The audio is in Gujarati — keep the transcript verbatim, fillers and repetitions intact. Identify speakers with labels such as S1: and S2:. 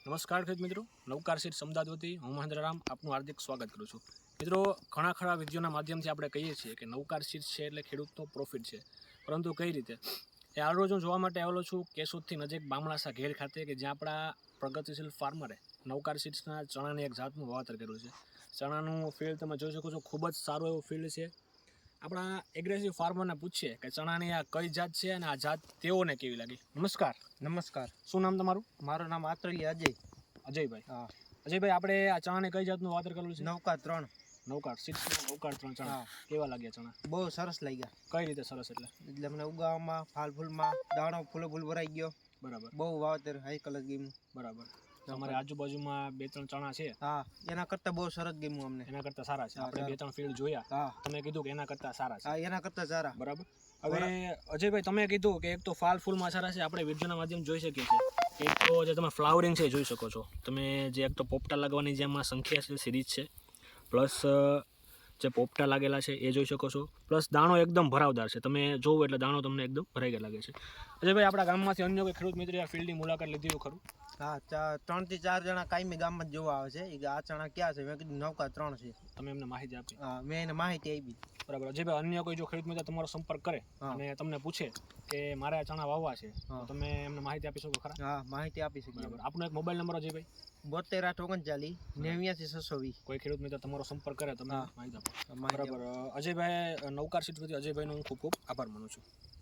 S1: નમસ્કાર ખેડૂત મિત્રો, નવકાર સીડ્સ અમદાવાદ વતી હું મહેન્દ્ર રામ આપનું હાર્દિક સ્વાગત કરું છું. મિત્રો, ઘણા ખરા વિડીયોના માધ્યમથી આપણે કહીએ છીએ કે નવકાર સીડ્સ છે એટલે ખેડૂતનો પ્રોફિટ છે, પરંતુ કઈ રીતે એ આ રોજ હું જોવા માટે આવેલો છું કેશોદથી નજીક બામણાસા ઘેર ખાતે, કે જ્યાં આપણા પ્રગતિશીલ ફાર્મરે નવકાર સીડ્સના ચણાની એક જાતનું વાવેતર કર્યું છે. ચણાનું ફિલ્ડ તમે જોઈ શકો છો, ખૂબ જ સારું એવું ફિલ્ડ છે. આપણા એગ્રેસિવ ફાર્મરને પૂછીએ કે ચણાની આ કઈ જાત છે અને આ જાત તેઓને કેવી લાગી. નમસ્કાર.
S2: નમસ્કાર.
S1: શું નામ તમારું?
S2: મારું નામ આત્રલી અજય.
S1: અજયભાઈ.
S2: હા.
S1: અજયભાઈ, આપણે આ ચણાને કઈ જાતનું વાવેતર કરેલું છે?
S2: નવકાર ત્રણ.
S1: નવકાર સીડ્સના નવકાર ત્રણ ચણા.
S2: હા.
S1: કેવા લાગ્યા ચણા?
S2: બહુ સરસ લાગ્યા.
S1: કઈ રીતે સરસ? એટલે
S2: એટલે મને ઉગાવામાં, ફાલ ફૂલમાં, દાણો ફૂલો ફૂલ ભરાઈ ગયો.
S1: બરાબર.
S2: બહુ વાવેતર હાઈ કલર ગેમ.
S1: બરાબર. તમારે આજુબાજુમાં બે ત્રણ ચણા છે?
S2: હા, એના કરતા બહુ સરસ ગેમ અમને.
S1: એના કરતા સારા છે. આપણે બે ત્રણ ફિલ્ડ જોયા.
S2: હા.
S1: તમે કીધું કે એના કરતા સારા છે.
S2: હા, એના કરતા સારા.
S1: બરાબર. હવે અજયભાઈ, તમે કીધું કે એક તો ફાલ ફૂલમાં સારા છે. આપણે વિડીયોના માધ્યમ જોઈ શકીએ છીએ. એક તો જે તમે ફ્લાવરિંગ છે જોઈ શકો છો તમે, જે એક તો પોપટા લાગવાની જે આમાં સંખ્યા છે સિરીઝ છે, પ્લસ જે પોપટા લાગેલા છે એ જોઈ શકો છો, પ્લસ દાણો એકદમ ભરાવદાર છે. તમે જોવો એટલે દાણો તમને એકદમ ભરાઈ ગયા લાગે છે. અજયભાઈ, આપણા ગામમાંથી અન્ય કોઈ ખેડૂત મિત્રે આ ફિલ્ડની મુલાકાત લીધી હોય ખરું?
S2: હા, ત્રણ થી ચાર જણા કાયમી ગામમાં જ જોવા આવે છે. એ આ ચણા ક્યાં છે? મેં કીધું નવકાર ત્રણ છે.
S1: તમે એમને માહિતી આપી?
S2: હા, મેં એને માહિતી આપી.
S1: બરાબર. અજયભાઈ, અન્ય કોઈ જો ખેડૂત મિત્ર તમારો સંપર્ક કરે અને તમને પૂછે કે મારે આ ચણા વાવવા છે, તો તમે એમને માહિતી આપી શકો ખરા?
S2: હા, માહિતી આપી શકીએ.
S1: બરાબર. આપનો એક મોબાઈલ નંબર અજયભાઈ?
S2: બોતેર આઠ ઓગણચાલીસ નેવ્યાસી છસો વીસ.
S1: કોઈ ખેડૂત મિત્ર તમારો સંપર્ક કરે તમે માહિતી આપો.
S2: માહિતી
S1: બરાબર. અજયભાઈ, નવકાર સીડ્સ વતી અજયભાઈનો હું ખૂબ ખૂબ આભાર માનું છું.